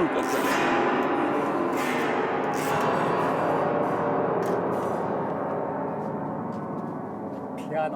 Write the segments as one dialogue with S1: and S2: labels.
S1: 깜짝이야.
S2: 피아노.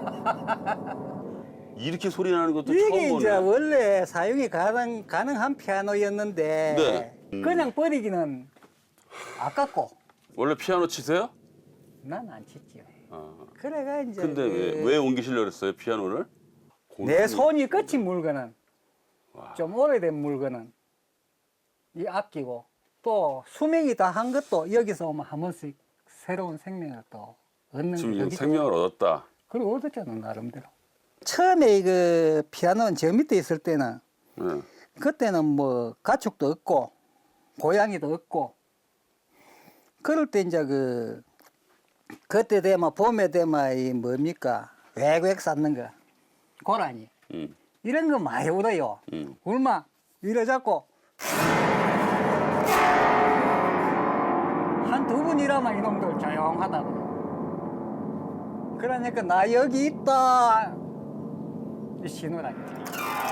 S1: 이렇게 소리 나는 것도 처음
S2: 이게
S1: 보네.
S2: 이제 원래 사용이 가능한 피아노였는데
S1: 네.
S2: 그냥 버리기는 아깝고
S1: 원래 피아노 치세요?
S2: 난 안 치지요.
S1: 아.
S2: 그래가 이제
S1: 근데 왜 옮기시려고 그랬어요, 피아노를?
S2: 내 손이 끝인 물건은
S1: 와.
S2: 좀 오래된 물건은 이 아끼고 또 수명이 다 한 것도 여기서 오면 한 번씩 새로운 생명을 또 얻는
S1: 지금
S2: 거기
S1: 생명을 얻었다.
S2: 그리고 얻었잖아 나름대로. 처음에 그 피아노는 저 밑에 있을 때는
S1: 네.
S2: 그때는 뭐 가축도 없고 고양이도 없고 그럴 때 이제 그때 되면 봄에 되면 이 뭡니까 외국 쌓는 거 고라니 이런 거 많이 울어요. 울마 이래 잡고 한 두 분 일하면 이놈들 조용하다고. 그러니까 나 여기 있다 이 신호라니까.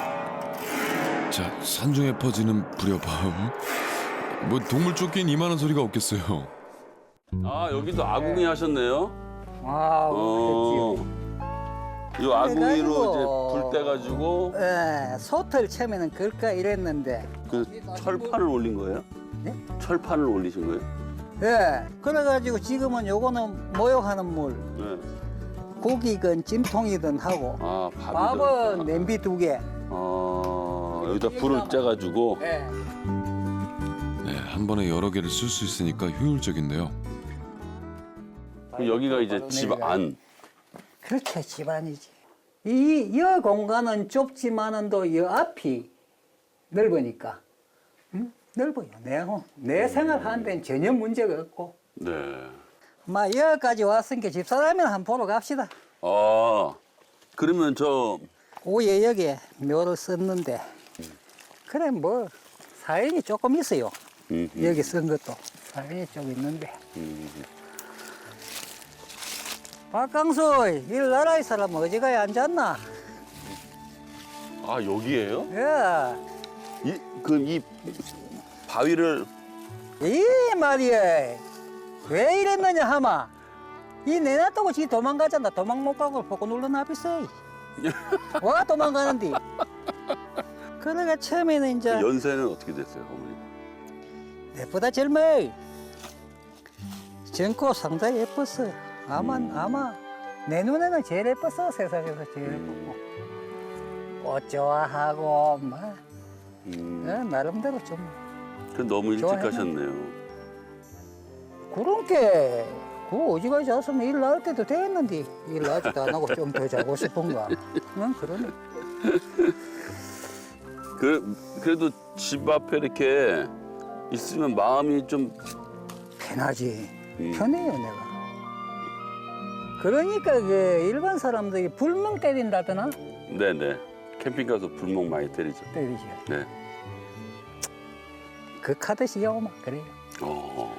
S3: 자, 산중에 퍼지는 불협화음. 뭐 동물 쫓긴 이만한 소리가 없겠어요.
S1: 아, 여기도 아궁이 하셨네요.
S2: 와우
S1: 이 아궁이로
S2: 그래가지고-
S1: 이제 불 떼가지고
S2: 예, 소틀 처음에는 그럴까 이랬는데
S1: 그 철판을 올린 거예요?
S2: 예?
S1: 철판을 올리신 거예요?
S2: 예, 그래가지고 지금은 요거는 모욕하는 물
S1: 네.
S2: 고기든 찜통이든 하고
S1: 아,
S2: 밥은 냄비 2개.
S1: 여기다 불을 째가지고
S2: 예.
S3: 네, 한 번에 여러 개를 쓸 수 있으니까 효율적인데요.
S1: 그럼 여기가 이제 집 안.
S2: 그렇죠, 집안이지. 이 공간은 좁지만은 또 이 앞이 넓으니까, 응? 넓어요. 내 생활하는 데는 전혀 문제가 없고.
S1: 네.
S2: 막 여기까지 왔으니까 집사람이나 한번 보러 갑시다.
S1: 아, 그러면 저
S2: 오예 여기에 묘를 썼는데, 그래 뭐 사연이 조금 있어요. 여기 쓴 것도 사연이 좀 있는데. 박강수, 이 나라의 사람 어디 가야 앉았나?
S1: 아, 여기에요?
S2: 예.
S1: 이 바위를
S2: 이 말이야. 왜 이랬느냐 하마. 이 내놔두고 지 도망가잖아. 도망 못 가고 보고 눌러놔비서. 와 도망가는디. 그러니까 처음에는 이제
S1: 연세는 어떻게 됐어요, 어머니?
S2: 내보다 젊어. 젊고 상당히 예뻤어. 아마 내 눈에는 제일 예뻤어. 세상에서 제일 예뻤고. 꽃 좋아하고 막 나름대로 좀
S1: 그 너무 일찍
S2: 좋아했나?
S1: 가셨네요.
S2: 그런 게, 어디가 잤으면 일 나올 때도 됐는데, 일 나지도 안 하고 좀 더 자고 싶은가. 응, 그러네.
S1: 그래도 집 앞에 이렇게 있으면 마음이 좀
S2: 편하지. 편해요, 내가. 그러니까 그 일반 사람들이 불멍 때린다더나?
S1: 네네. 캠핑 가서 불멍 많이 때리죠.
S2: 때리지.
S1: 네.
S2: 그 카드시요, 막 그래요.
S1: 어.